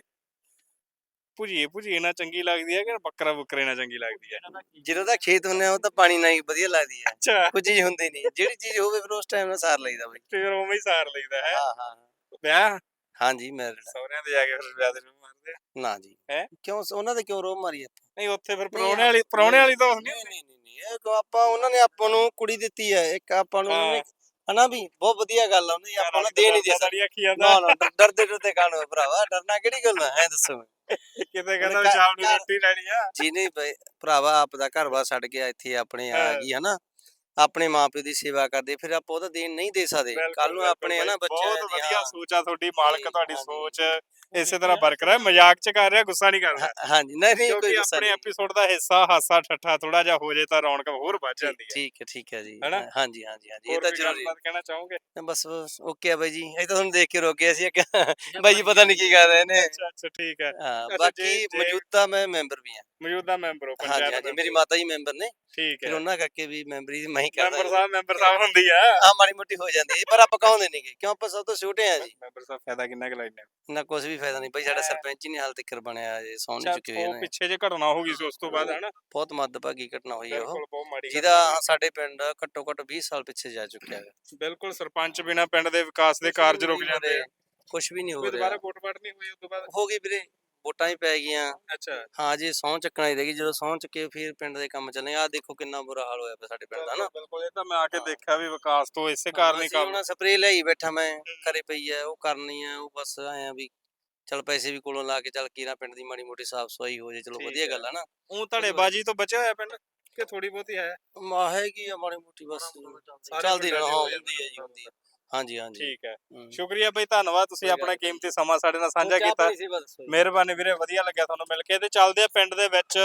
S2: ਭੁਜੀਏ ਭੁਜੀਏ ਨਾਲ ਚੰਗੀ ਲੱਗਦੀ ਹੈ ਕਿ ਬੱਕਰਾ ਬੁੱਕਰੇ ਨਾਲ ਚੰਗੀ ਲੱਗਦੀ ਹੈ?
S4: ਜਦੋਂ ਦਾ ਖੇਤ ਹੁੰਨੇ ਆ ਉਹ ਤਾਂ ਪਾਣੀ ਨਾਲ ਹੀ ਵਧੀਆ ਲੱਗਦੀ ਹੈ।
S2: ਅੱਛਾ
S4: ਕੋਈ ਚੀਜ਼ ਹੁੰਦੀ ਨਹੀਂ ਜਿਹੜੀ ਚੀਜ਼ ਹੋਵੇ ਫਿਰ ਉਸ ਟਾਈਮ ਨਾਲ ਸਾਰ ਲਈਦਾ ਬਾਈ।
S2: ਫਿਰ ਉਵੇਂ ਹੀ ਸਾਰ ਲਈਦਾ ਹੈ।
S4: ਹਾਂ ਹਾਂ
S2: ਵਿਆਹ
S4: ਹਾਂਜੀ ਮੈਰਿਡ
S2: ਸਹੁਰਿਆਂ ਦੇ ਜਾ ਕੇ ਫਿਰ ਵਿਆਹ ਦੇ ਨੂੰ ਮਾਰਦੇ ਆ?
S4: ਨਾ ਜੀ
S2: ਹੈਂ?
S4: ਕਿਉਂ ਉਹਨਾਂ ਦੇ ਕਿਉਂ ਰੋਹ ਮਾਰੀ ਆਪਾਂ?
S2: ਨਹੀਂ ਉੱਥੇ ਫਿਰ ਪ੍ਰਾਹੁਣੇ ਵਾਲੀ ਪ੍ਰਾਹੁਣੇ ਵਾਲੀ ਤਾਂ ਨਹੀਂ
S4: ਨਹੀਂ ਨਹੀਂ ਨਹੀਂ ਨਹੀਂ ਇਹ ਕਿਉਂ ਆਪਾਂ ਉਹਨਾਂ ਨੇ ਆਪਾਂ ਨੂੰ ਕੁੜੀ ਦਿੱਤੀ ਹੈ ਇੱਕ ਆਪਾਂ ਨੂੰ ਉਹਨਾਂ ਨੇ ਹਨਾ ਵੀ ਬਹੁਤ ਵਧੀਆ ਗੱਲ ਆ ਉਹਨੇ ਆਪਾਂ ਨੂੰ ਦੇ ਨਹੀਂ ਦੇ ਸਕਦੇ।
S2: ਆਖੀ ਜਾਂਦਾ
S4: ਨਾ ਨਾ ਡਰ- ਡਰਦੇ ਡਰਦੇ ਕਾਹਨੂੰ ਭਰਾਵਾ ਡਰਨਾ ਕਿਹੜੀ ਗੱਲ ਆ ਐ ਦੱਸੋ
S2: ਕਿਤੇ ਕਹਿੰਦਾ ਵੀ ਸ਼ਾਮ ਨੂੰ ਰੋਟੀ ਲੈਣੀ ਆ।
S4: ਜੀ ਨਹੀਂ ਬਈ ਭਰਾਵਾ ਆਪ ਦਾ ਘਰ ਬਾਰ ਛੱਡ ਕੇ ਇੱਥੇ ਆਪਣੇ ਆ
S2: ਹਾਂ।
S4: ਗਈ ਹਨਾ ਆਪਣੇ ਮਾਪਿਓ ਦੀ ਸੇਵਾ ਕਰਦੇ ਫਿਰ ਆਪਾਂ ਉਹਦਾ ਦੇਣ ਨਹੀਂ ਦੇ ਸਕਦੇ ਕੱਲ ਨੂੰ ਆਪਣੇ ਹਨਾ ਬੱਚਿਆਂ
S2: ਬਹੁਤ
S4: ਦੀ
S2: ਵਧੀਆ
S4: ਹਾਂ।
S2: ਸੋਚ ਆ ਤੁਹਾਡੀ ਮਾਲਕ
S4: ਜੀ,
S2: ਤੁਹਾਡੀ
S4: ਹਾਂਜੀ।
S2: ਸੋਚ ਇਸੇ ਤਰ੍ਹਾਂ ਬਰਕਰਾਰ ਮਜ਼ਾਕ ਚ ਕਰ ਰਿਹਾ ਗੁੱਸਾ ਨਹੀਂ ਕਰਦਾ
S4: ਹਾਂ- ਹਾਂਜੀ ਨਹੀਂ ਨਹੀਂ ਕੋਈ
S2: ਕਿਉਂਕਿ
S4: ਗੁੱਸਾ
S2: ਆਪਣੇ
S4: ਨਹੀਂ
S2: ਐਪੀਸੋਡ ਦਾ ਹਿੱਸਾ ਹਾਸਾ ਠੱਠਾ ਥੋੜਾ ਜਿਹਾ ਹੋ ਜੇ ਤਾਂ ਰੌਣਕ ਹੋਰ ਵੱਧ ਜਾਂਦੀ ਹੈ।
S4: ਠੀਕ ਹੈ ਠੀਕ ਹੈ ਜੀ
S2: ਹਨਾ?
S4: ਹਾਂਜੀ ਹਾਂਜੀ ਹਾਂਜੀ ਇਹ
S2: ਹੋਰ
S4: ਤਾਂ
S2: ਕੋਈ
S4: ਜ਼ਰੂਰੀ
S2: ਗੱਲਬਾਤ ਕਹਿਣਾ ਚਾਹੋਗੇ?
S4: ਹੈ। ਬਸ ਓਕੇ ਆ ਬਾਈ ਜੀ ਇਹ ਤਾਂ ਤੁਹਾਨੂੰ ਦੇਖ ਕੇ ਰੋਕ ਗਿਆ ਸੀ ਇੱਕ ਬਾਈ ਜੀ ਪਤਾ ਨਹੀਂ ਕੀ ਕਰ ਰਹੇ ਨੇ
S2: ਅੱਛਾ ਅੱਛਾ ਠੀਕ ਹੈ।
S4: ਹਾਂ
S2: ਅੱਛਾ,
S4: ਬਾਕੀ
S2: ਜੇ- ਜੇ-
S4: ਮੌਜੂਦਾ ਮੈਂ ਮੈਂਬਰ ਵੀ ਹਾਂ
S2: ਮੌਜੂਦਾ ਮੈਂਬਰ ਹੋ
S4: ਹਾਂਜੀ
S2: ਪੰਚਾਇਤ
S4: ਹਾਂਜੀ
S2: ਮੈਂਬਰ
S4: ਮੇਰੀ
S2: ਹੋ।
S4: ਮਾਤਾ ਜੀ ਮੈਂਬਰ ਨੇ
S2: ਠੀਕ
S4: ਫਿਰ
S2: ਹੈ।
S4: ਉਹਨਾਂ ਕਰਕੇ ਵੀ ਮੈਂਬਰੀ ਮੈਂ ਹੀ ਕਰਦਾ
S2: ਮੈਂਬਰ ਸਾਹਿਬ ਮੈਂਬਰ ਸਾਹਿਬ ਹੁੰਦੀ ਆ।
S4: ਹਾਂ ਮਾੜੀ ਮੋਟੀ ਹੋ ਜਾਂਦੀ ਹੈ ਪਰ ਆਪਾਂ ਕਹਾਉਂਦੇ ਨਹੀਂਗੇ ਕਿਉਂ ਆਪਾਂ ਸਭ ਤੋਂ ਛੋਟੇ ਆ ਜੀ
S2: ਮੈਂਬਰ ਸਾਹਿਬ ਫਾਇਦਾ ਕਿੰਨਾ ਕੁ ਲੈਣੇ?
S4: ਨਾ ਕੁਝ ਵੀ ਫਾਇਦਾ ਨਹੀਂ ਬਾਈ ਸਾਡਾ ਸਰਪੰਚ ਹੀ ਨਹੀਂ ਹਾਲ ਤੱਕ ਬਣਿਆ ਜੇ ਸੌਂ ਨਹੀਂ ਚੁੱਕੇ ਹੋਏ
S2: ਉਹ
S4: ਨੇ
S2: ਪਿੱਛੇ ਜੇ ਘਟਨਾ ਹੋ ਗਈ ਸੀ ਉਸ ਤੋਂ ਬਾਅਦ ਹਨਾ?
S4: ਬਹੁਤ ਮੱਦਭਾਗੀ ਘਟਨਾ ਹੋਈ ਹੈ ਉਹ
S2: ਬਿਲਕੁਲ ਬਹੁਤ ਮਾੜੀ ਗੱਲ
S4: ਜਿਹਦਾ ਸਾਡੇ ਪਿੰਡ ਘੱਟੋ ਘੱਟ ਵੀਹ ਸਾਲ ਪਿੱਛੇ ਜਾ ਚੁੱਕਿਆ ਹੈ
S2: ਬਿਲਕੁਲ ਸਰਪੰਚ ਬਿਨਾ ਪਿੰਡ ਦੇ ਵਿਕਾਸ ਦੇ ਕਾਰਜ ਰੁਕ ਜਾਂਦੇ ਆ।
S4: ਕੁਝ ਵੀ ਨਹੀਂ ਹੋ
S2: ਕੋਈ
S4: ਰਿਹਾ
S2: ਦੁਬਾਰਾ ਵੋਟ ਪਾਟ ਨਹੀਂ ਹੋਈ ਉਸ ਤੋਂ ਬਾਅਦ?
S4: ਹੋ ਗਈ ਵੀਰੇ ਵੋਟਾਂ ਹੀ ਪੈ ਗਈਆਂ
S2: ਅੱਛਾ
S4: ਹਾਂ ਜੀ ਸਹੁੰ ਚੱਕਣਾ ਹੀ ਰਹਿ ਗਈ ਜਦੋਂ ਸਹੁੰ ਚੱਕੇ ਫਿਰ ਪਿੰਡ ਦੇ ਕੰਮ ਚੱਲੇ ਆ ਦੇਖੋ ਕਿੰਨਾ ਬੁਰਾ ਹਾਲ ਹੋਇਆ ਪਿਆ ਸਾਡੇ ਪਿੰਡ ਦਾ ਨਾ
S2: ਬਿਲਕੁਲ ਇਹ ਤਾਂ ਮੈਂ ਆ ਕੇ
S4: ਹਾਂ।
S2: ਦੇਖਿਆ ਵੀ ਵਿਕਾਸ ਤੋਂ ਇਸੇ ਕਾਰਨ ਹੀ
S4: ਅਸੀਂ
S2: ਕੰਮ
S4: ਹੁਣ ਸਪਰੇ ਲਈ ਬੈਠਾ ਮੈਂ ਘਰੇ ਪਈ ਐ ਉਹ ਕਰਨੀ ਐ ਉਹ ਬਸ ਆਇਆ ਵੀ ਚਲ ਪੈਸੇ ਵੀ ਕੋਲੋਂ ਲਾ ਕੇ ਚੱਲ ਕੀਰਾ ਪਿੰਡ ਦੀ ਮਾੜੀ ਮੋਟੀ ਸਾਫ ਸਫਾਈ ਹੋ ਜੇ ਚਲੋ
S2: ਠੀਕ
S4: ਵਧੀਆ
S2: ਹੈ।
S4: ਗੱਲ ਆ ਨਾ
S2: ਉਹ ਧੜੇਬਾਜੀ ਤੋਂ ਬਚਿਆ ਹੋਇਆ ਪਿੰਡ ਕਿ ਥੋੜੀ ਬਹੁਤੀ ਹੈ?
S4: ਮਾ ਹੈਗੀ ਆ ਮਾੜੀ ਮੋਟੀ ਬਸ
S2: ਸਾਰੇ
S4: ਚੱਲਦੀ
S2: ਪਿੰਡਾਂ
S4: ਰਹਿਣਾ
S2: ਦੀ
S4: ਹਾਂ
S2: ਹੋ
S4: ਹੁੰਦੀ ਹੈ ਜੀ ਹੁੰਦੀ ਹੈ ਹਾਂਜੀ ਹਾਂਜੀ
S2: ਠੀਕ ਹੈ।
S4: ਹੂੰ।
S2: ਸ਼ੁਕਰੀਆ ਬਈ ਧੰਨਵਾਦ ਤੁਸੀਂ
S4: ਕੋਈ
S2: ਆਪਣਾ
S4: ਗੱਲ ਨੀ।
S2: ਕੀਮਤੀ ਸਮਾਂ ਸਾਡੇ ਨਾਲ ਸਾਂਝਾ
S4: ਹੋਰ ਚਾਹ
S2: ਕੀਤਾ।
S4: ਪਾਣੀ ਸੀ ਬਸ ਹੋਈ।
S2: ਮਿਹਰਬਾਨੀ ਵੀਰੇ ਵਧੀਆ ਲੱਗਿਆ ਤੁਹਾਨੂੰ ਮਿਲ ਕੇ ਤੇ ਚੱਲਦੇ ਆ ਪਿੰਡ ਦੇ ਵਿੱਚ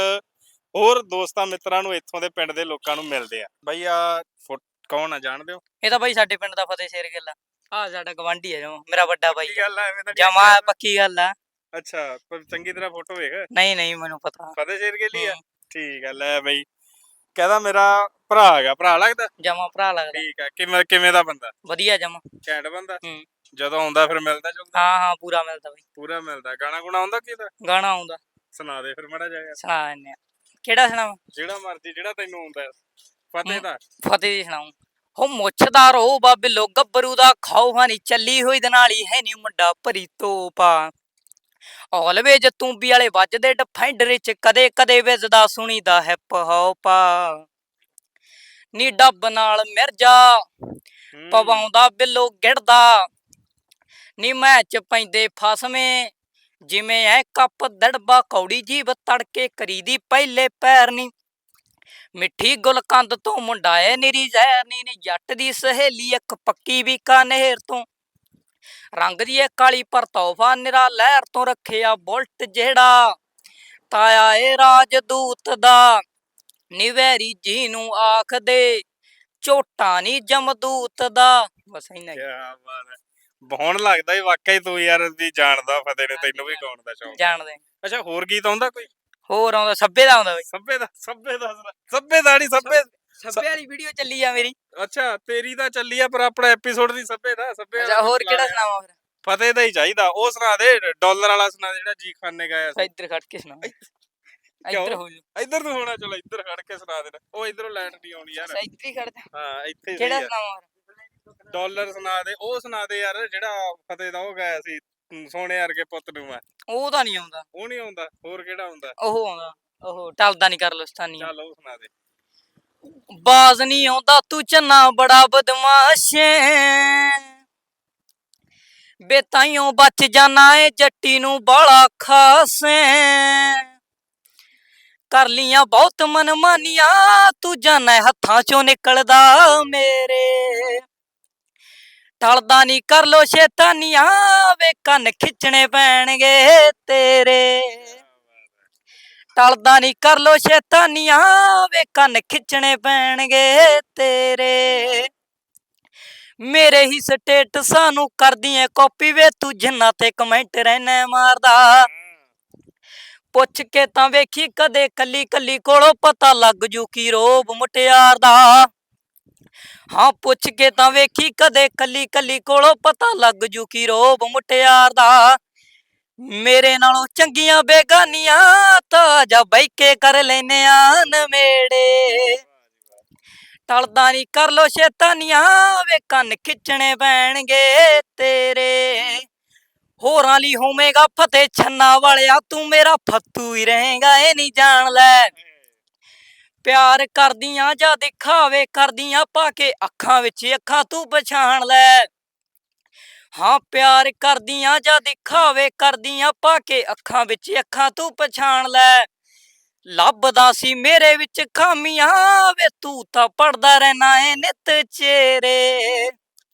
S2: ਹੋਰ ਦੋਸਤਾਂ ਮਿੱਤਰਾਂ ਨੂੰ ਇੱਥੋਂ ਦੇ ਪਿੰਡ ਦੇ ਲੋਕਾਂ ਨੂੰ ਮਿਲਦੇ ਆ। ਬਈ ਆ ਫੁੱਟ ਕੌਣ ਆ ਜਾਣਦੇ ਹੋ?
S3: ਇਹ ਤਾਂ ਬਾਈ ਸਾਡੇ ਪਿੰਡ ਦਾ ਫਤਿਹ ਸ਼ੇਰਗਿੱਲ ਆ ਆ ਸਾਡਾ ਗਵਾਂਢੀ ਹੈ ਜਮਾ ਮੇਰਾ ਵੱਡਾ ਬਾਈ
S2: ਕੀ ਗੱਲ ਆ ਐਵੇਂ ਤਾਂ
S3: ਜਮਾ ਪੱਕੀ ਗੱਲ ਆ।
S2: ਅੱਛਾ ਪਰ ਚੰਗੀ ਤਰ੍ਹਾਂ ਫੋਟੋ ਵੇਖ
S3: ਨਹੀਂ ਨਹੀਂ ਮੈਨੂੰ ਪਤਾ।
S2: ਫਤਿਹ ਸ਼ੇਰਗਿੱਲ ਹੀ ਆ
S3: ਹੂੰ।
S2: ਠੀਕ ਆ ਲੈ ਬਈ ਕਹਿੰਦਾ ਮੇਰਾ ਭਰਾ ਹੈਗਾ ਭਰਾ ਲੱਗਦਾ
S3: ਜਮਾ ਭਰਾ ਲੱਗਦਾ
S2: ਠੀਕ ਆ ਕਿਵੇਂ ਕਿਵੇਂ ਦਾ ਬੰਦਾ
S3: ਵਧੀਆ ਜਮਾ।
S2: ਘੈਂਟ ਬੰਦਾ
S3: ਹੂੰ।
S2: ਜਦੋਂ ਆਉਂਦਾ ਫਿਰ ਮਿਲਦਾ ਜੁਲਦਾ
S3: ਹਾਂ ਹਾਂ ਪੂਰਾ ਮਿਲਦਾ ਬਾਈ।
S2: ਪੂਰਾ ਮਿਲਦਾ ਗਾਣਾ ਗੁਣਾ ਆਉਂਦਾ ਕਿਹਦਾ
S3: ਗਾਣਾ ਆਉਂਦਾ
S2: ਸੁਣਾ ਦੇ ਫਿਰ ਮੜਾ ਜਾਏਗਾ
S3: ਸੁਣਾ ਦਿੰਦੇ ਆ। ਕਿਹੜਾ ਸੁਣਾਵਾਂ?
S2: ਜਿਹੜਾ ਮਰਜੀ ਜਿਹੜਾ ਤੈਨੂੰ ਆਉਂਦਾ ਫਤਿਹ ਦਾ
S3: ਫਤਿਹ ਦੀ ਸੁਣਾਉ। ਹੋ ਮੁੱਛਦਾ ਰੋ ਬਾਬਿਲੋ ਗੱਭਰੂ ਦਾ ਖਾਓ ਹਾਨੀ ਚੱਲੀ ਹੋਈ ਦੇ ਨਾਲ ਹੀ ਹੈ ਨੀ ਮੁੰਡਾ ਭਰੀ ਤੋਪਾ। ਆਲਵੇਜ ਤੂੰਬੀ ਵਾਲੇ ਵੱਜਦੇ ਡਿਫੈਂਡਰ ਚ ਕਦੇ ਕਦੇ ਵੱਜਦਾ ਸੁਣੀਦਾ ਹੈ ਪਹੋਪਾ। ਨੀ ਡੱਬ ਨਾਲ ਮਿਰਜਾ
S2: ਹੂੰ।
S3: ਪਵਾਉਂਦਾ ਬਿੱਲੋ ਗਿੜਦਾ। ਨੀ ਮੈਚ ਪੈਂਦੇ ਫਸਵੇਂ ਜਿਵੇਂ ਐ ਕੱਪ ਦੜਬਾ ਕੌੜੀ ਜੀਬ ਤੜਕੇ ਕਰੀਦੀ ਪਹਿਲੇ ਪੈਰ ਨੀ। ਮਿੱਠੀ ਗੁਲਕੰਦ ਤੋਂ ਮੁੰਡਾ ਏ ਨਿਰੀ ਜ਼ਹਿਰ ਨੀ ਨੀ ਜੱਟ ਦੀ ਸਹੇਲੀ ਇੱਕ ਪੱਕੀ ਬੀਕਾਨੇਰ ਤੋਂ। ਰੰਗ ਦੀ ਏ ਕਾਲੀ ਪਰ ਤੋਹਫਾ ਨਿਰਾ ਲਹਿਰ ਤੋਂ ਰੱਖਿਆ ਬੁਲਟ ਜਿਹੜਾ ਤਾਇਆ ਏ ਰਾਜਦੂਤ ਦਾ। ਨੀ ਵੈਰੀ ਜੀ ਨੂੰ ਆਖਦੇ ਝੋਟਾ ਨੀ ਜਮਦੂਤ ਦਾ। ਬਸ ਇੰਨਾ ਹੀ।
S2: ਕਿਆ ਬਾਤ ਹੈ ਬਹੁਤ ਲੱਗਦਾ ਈ ਵਾਕਈ ਤੂੰ ਯਾਰ ਵੀ ਜਾਣਦਾ ਫਤਿਹ ਨੇ ਤੈਨੂੰ ਵੀ ਗਾਉਣ ਦਾ ਸ਼ੌਂਕ
S3: ਜਾਣਦੇ
S2: ਅੱਛਾ ਹੋਰ ਗੀਤ ਆਉਂਦਾ ਕੋਈ
S3: ਹੋਰ ਆਉਂਦਾ ਸੱਭੇ ਦਾ ਆਉਂਦਾ ਬਈ।
S2: ਸੱਭੇ ਦਾ ਸੱਭੇ ਦਾ ਸੁਣਾ। ਸੱਭੇ ਦਾ ਨਹੀਂ ਸੱਭੇ
S3: ਸੱਭੇ ਵਾਲੀ ਵੀਡੀਓ ਚੱਲੀ ਆ ਮੇਰੀ।
S2: ਅੱਛਾ ਤੇਰੀ ਤਾਂ ਚੱਲੀ ਆ ਪਰ ਆਪਣਾ ਐਪੀਸੋਡ ਦੀ ਸੱਭੇ ਦਾ ਸੱਭੇ
S3: ਅੱਛਾ ਹੋਰ ਕਿਹੜਾ ਸੁਣਾਵਾਂ ਫਿਰ?
S2: ਫਤਿਹ ਦਾ ਹੀ ਚਾਹੀਦਾ ਉਹ ਸੁਣਾ ਦੇ ਡਾਲਰ ਵਾਲਾ ਸੁਣਾ ਦੇ ਜਿਹੜਾ ਜੀ ਖਾਨ ਨੇ ਗਾਇਆ ਸੀ
S3: ਇੱਧਰ ਖੜ ਕੇ ਸੁਣਾ।
S2: ਕਿਉਂ?
S3: ਇੱਧਰ ਹੋ ਜਾ।
S2: ਇੱਧਰ ਨੂੰ ਹੋਣਾ ਚਲੋ ਇੱਧਰ ਖੜ ਕੇ ਸੁਣਾ ਦੇਣਾ ਉਹ ਇਧਰੋਂ ਲਾਈਟ ਨਹੀਂ ਆਉਣੀ ਯਾਰ
S3: ਅੱਛਾ ਇੱਧਰ ਹੀ ਖੜਦਾ।
S2: ਹਾਂ ਇੱਥੇ
S3: ਕਿਹੜਾ
S2: ਸਹੀ ਆ
S3: ਸੁਣਾਵਾਂ ਫਿਰ?
S2: ਡਾਲਰ ਸੁਣਾ ਦੇ ਉਹ ਸੁਣਾ ਦੇ ਯਾਰ ਜਿਹੜਾ ਫਤਿਹ ਦਾ ਉਹ ਗਾਇਆ ਸੀ ਹਮ, ਸੋਹਣੇ ਵਰਗੇ ਪੁੱਤ ਨੂੰ ਮੈਂ
S3: ਉਹ ਤਾਂ ਨਹੀਂ ਆਉਂਦਾ।
S2: ਉਹ ਨਹੀਂ ਆਉਂਦਾ ਹੋਰ ਕਿਹੜਾ ਆਉਂਦਾ
S3: ਉਹ ਆਉਂਦਾ ਉਹ ਟਲਦਾ ਨਹੀਂ ਕਰ ਲਸਤਾਨੀ।
S2: ਚੱਲ ਉਹ ਸੁਣਾ ਦੇ
S3: ਬਾਜ਼ ਨਹੀਂ ਆਉਂਦਾ ਤੂੰ ਚੰਨਾ ਬੜਾ ਬਦਮਾਸ਼ ਬੇ ਤਾਈਓ ਬਚ ਜਾਣਾ ਏ ਜੱਟੀ ਨੂੰ ਬਾਲਾ ਖਾਸੇ। ਕਰ ਲੀਆਂ ਬਹੁਤ ਮਨਮਾਨੀਆਂ ਤੂੰ ਜਾਣਾ ਹੱਥਾਂ ਚੋਂ ਨਿਕਲਦਾ ਮੇਰੇ। ਟਲਦਾ ਨਹੀਂ ਕਰ ਲੋ ਸ਼ੈਤਾਨੀਆਂ ਵੇ ਕੰਨ ਖਿੱਚਣੇ ਪੈਣਗੇ ਤੇਰੇ। ਟਲਦਾ ਨਹੀਂ ਕਰ ਲੋ ਸ਼ੈਤਾਨੀਆਂ ਵੇ ਕੰਨ ਖਿੱਚਣੇ ਪੈਣਗੇ ਤੇਰੇ। ਮੇਰੇ ਹੀ ਸਟੇਟਸਾਂ ਨੂੰ ਕਰਦੀ ਐ ਕਾਪੀ ਵੇ ਤੂੰ ਜਿੰਨਾ ਤੇ ਕਮੈਂਟ ਰਹਿਣਾ ਮਾਰਦਾ। ਪੁੱਛ ਕੇ ਤਾਂ ਵੇਖੀ ਕਦੇ ਕੱਲੀ ਕੱਲੀ ਕੋਲੋਂ ਪਤਾ ਲੱਗ ਜੂ ਕੀ ਰੋਬ ਮੁਟਿਆਰ ਦਾ। ਹਾਂ ਪੁੱਛ ਕੇ ਤਾਂ ਵੇਖੀ ਕਦੇ ਕੱਲੀ ਕੱਲੀ ਕੋਲੋਂ ਪਤਾ ਲੱਗ ਜੂ ਕੀ ਰੋਬ ਮੁਟਿਆਰ ਦਾ। ਮੇਰੇ ਨਾਲੋਂ ਚੰਗੀਆਂ ਬੇਗਾਨੀਆਂ ਤਾਂ ਜਾ ਬਹਿ ਕੇ ਕਰ ਲੈਨੇ ਆ ਨਵੇੜੇ। ਟਲਦਾ ਨਹੀਂ ਕਰ ਲੋ ਸ਼ੈਤਾਨੀਆਂ ਵੇ ਕੰਨ ਖਿੱਚਣੇ ਪੈਣਗੇ ਤੇਰੇ। ਹੋਰਾਂ ਲਈ ਹੋਵੇਗਾ ਫਤਿਹ ਛੰਨਾ ਵਾਲਿਆ ਤੂੰ ਮੇਰਾ ਫੱਤੂ ਹੀ ਰਹੇਗਾ ਇਹ ਨਹੀਂ ਜਾਣ ਲੈ। ਪਿਆਰ ਕਰਦੀਆਂ ਜਾਂ ਦਿਖਾਵੇ ਕਰਦੀਆਂ ਪਾ ਕੇ ਅੱਖਾਂ ਵਿੱਚ ਅੱਖਾਂ ਤੂੰ ਪਛਾਣ ਲੈ। ਹਾਂ ਪਿਆਰ ਕਰਦੀਆਂ ਜਾਂ ਦਿਖਾਵੇ ਕਰਦੀਆਂ ਪਾ ਕੇ ਅੱਖਾਂ ਵਿੱਚ ਅੱਖਾਂ ਤੂੰ ਪਛਾਣ ਲੈ। ਲੱਭਦਾ ਸੀ ਮੇਰੇ ਵਿੱਚ ਖਾਮੀਆਂ ਵੇ ਤੂੰ ਤਾਂ ਪੜਦਾ ਰਹਿਣਾ ਏ ਨਿੱਤ ਚਿਹਰੇ।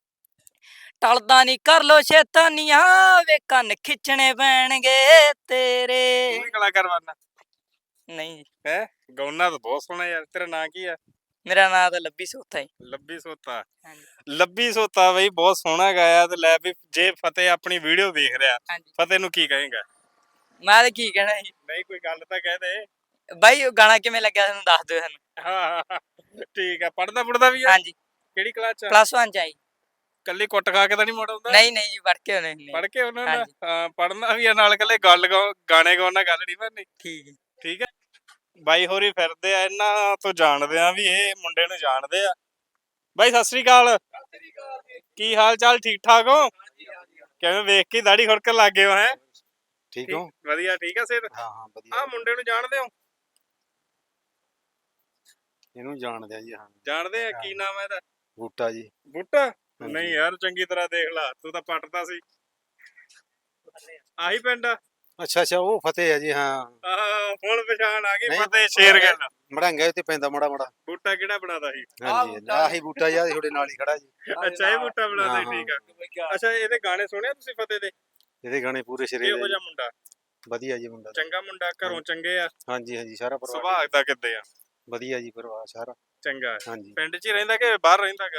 S3: ਟਲਦਾ ਨਹੀਂ ਕਰ ਲੋ ਸ਼ੈਤਾਨੀਆਂ ਵੇ ਕੰਨ ਖਿੱਚਣੇ ਪੈਣਗੇ ਤੇਰੇ।
S2: ਤੂੰ ਵੀ ਕਲਾਕਾਰ ਬਣਨਾ
S3: ਨਹੀਂ ਜੀ
S2: ਹੈ ਗਾਉਣਾ ਤਾਂ ਬਹੁਤ ਸੋਹਣਾ ਯਾਰ ਤੇਰਾ ਨਾਂ ਕੀ ਆ
S3: ਮੇਰਾ ਨਾਂ ਤਾਂ ਲੱਭੀ ਸੋਤਾ ਹੀ।
S2: ਲੱਭੀ ਸੋਤਾ
S3: ਹਾਂਜੀ
S2: ਲੱਭੀ ਸੋਤਾ ਬਈ ਬਹੁਤ ਸੋਹਣਾ ਗਾਇਆ ਤੇ ਲੈ ਵੀ ਜੇ ਫਤਿਹ ਆਪਣੀ ਵੀਡੀਓ ਵੇਖ ਰਿਹਾ
S3: ਹਾਂਜੀ
S2: ਫਤਿਹ ਨੂੰ ਕੀ ਕਹੇਗਾ
S3: ਮੈਂ ਤਾਂ ਕੀ ਕਹਿਣਾ ਜੀ
S2: ਨਹੀਂ ਕੋਈ ਗੱਲ ਤਾਂ ਕਹਿ ਦੇ
S3: ਬਾਈ ਉਹ ਗਾਣਾ ਕਿਵੇਂ ਲੱਗਿਆ ਤੁਹਾਨੂੰ ਦੱਸ ਦਿਓ ਸਾਨੂੰ।
S2: ਹਾਂ ਹਾਂ, ਹਾਂ ਠੀਕ ਆ ਪੜਦਾ ਪੜਦਾ ਵੀ ਆ
S3: ਹਾਂਜੀ
S2: ਕਿਹੜੀ ਕਲਾਸ ਚ
S3: ਪਲੱਸ ਵਨ ਚ ਆਈ।
S2: ਕੱਲੀ ਕੁੱਟ ਖਾ ਕੇ ਤਾਂ ਨਹੀਂ ਮੁੜ ਆਉਂਦਾ
S3: ਨਹੀਂ ਨਹੀਂ ਜੀ ਪੜ ਕੇ ਹੋਣੇ ਨਹੀਂ।
S2: ਪੜ ਕੇ ਉਹਨਾਂ ਦਾ
S3: ਹਾਂਜੀ।
S2: ਹਾਂ ਪੜਨਾ ਵੀ ਆ ਨਾਲ ਕੱਲੇ ਗੱਲ ਗਾਉ- ਗਾਣੇ ਗਾਉਣ ਨਾਲ ਗੱਲ ਨਹੀਂ ਬਣਨੀ
S3: ਠੀਕ ਹੈ
S2: ਠੀਕ ਹੈ ਬਾਈ ਹੋਰੀ ਫਿਰਦੇ ਆ ਇਹਨਾਂ ਤੋਂ ਜਾਣਦੇ ਆ ਵੀ ਇਹ ਮੁੰਡੇ ਨੂੰ ਜਾਣਦੇ ਆ ਬਾਈ ਸਤਿ ਸ੍ਰੀ ਅਕਾਲ ਕੀ ਹਾਲ ਚਾਲ ਠੀਕ ਠਾਕ ਹੋ ਕਿਵੇਂ ਵੇਖ ਕੇ ਦਾੜੀ ਖੁਰਕਣ ਲੱਗ ਗਏ ਹੋ ਹੈ
S8: ਠੀਕ ਹੋ
S2: ਵਧੀਆ ਠੀਕ ਆ ਸਿਹਤ
S8: ਹਾਂ ਹਾਂ ਵਧੀਆ
S2: ਆ ਮੁੰਡੇ ਨੂੰ ਜਾਣਦੇ ਹੋ
S8: ਇਹਨੂੰ ਜਾਣਦੇ ਆ ਜੀ ਹਾਂ
S2: ਜਾਣਦੇ ਆ ਕੀ ਨਾਮ ਹੈ ਇਹਦਾ
S8: ਬੂਟਾ ਜੀ
S2: ਬੂਟਾ
S8: ਹਾਂਜੀ।
S2: ਨਹੀਂ ਯਾਰ ਚੰਗੀ ਤਰ੍ਹਾਂ ਦੇਖ ਲਾ ਤੂੰ ਤਾਂ ਪੱਟਦਾ ਸੀ ਆਹੀ ਪਿੰਡ ਆ
S8: ਅੱਛਾ ਅੱਛਾ ਉਹ ਫਤਿਹ ਹੈ ਜੀ ਹਾਂ
S2: ਆਹ, ਹੁਣ ਪਛਾਣ ਆ ਗਈ
S8: ਨਹੀਂ,
S2: ਫਤਿਹ ਸ਼ੇਰਗਿੱਲ
S8: ਮੜਾਂਗਾ ਉੱਤੇ ਪੈਂਦਾ ਮੜਾ ਮੜਾ
S2: ਬੂਟਾ ਕਿਹੜਾ ਬਣਾਦਾ ਸੀ
S8: ਹਾਂਜੀ ਆਹੀ ਬੂਟਾ ਯਾਰ ਤੁਹਾਡੇ ਨਾਲ ਹੀ ਖੜਾ ਜੀ
S2: ਅੱਛਾ ਇਹ ਬੂਟਾ ਬਣਾਦਾ
S8: ਹਾਂ,
S2: ਸੀ ਠੀਕ ਆ ਅੱਛਾ ਇਹਦੇ ਗਾਣੇ ਸੁਣਿਆ ਤੁਸੀਂ ਫਤਿਹ ਦੇ
S8: ਇਹਦੇ ਗਾਣੇ ਪੂਰੇ ਸਿਰੇ
S2: ਇਹੋ
S8: ਦੇ
S2: ਜਿਹਾ ਮੁੰਡਾ
S8: ਵਧੀਆ ਜੀ ਮੁੰਡਾ
S2: ਚੰਗਾ ਮੁੰਡਾ ਘਰੋਂ ਚੰਗੇ ਆ
S8: ਹਾਂਜੀ ਹਾਂਜੀ ਸਾਰਾ ਪਰਿਵਾਰ
S2: ਸੁਭਾਅ ਦਾ ਕਿੱਦੇ ਆ
S8: ਵਧੀਆ ਜੀ ਪਰਿਵਾਰ ਸਾਰਾ
S2: ਚੰਗਾ ਹੈ।
S8: ਹਾਂਜੀ
S2: ਪਿੰਡ 'ਚ ਹੀ ਰਹਿੰਦਾ ਕਿ ਬਾਹਰ ਰਹਿੰਦਾ ਗਾ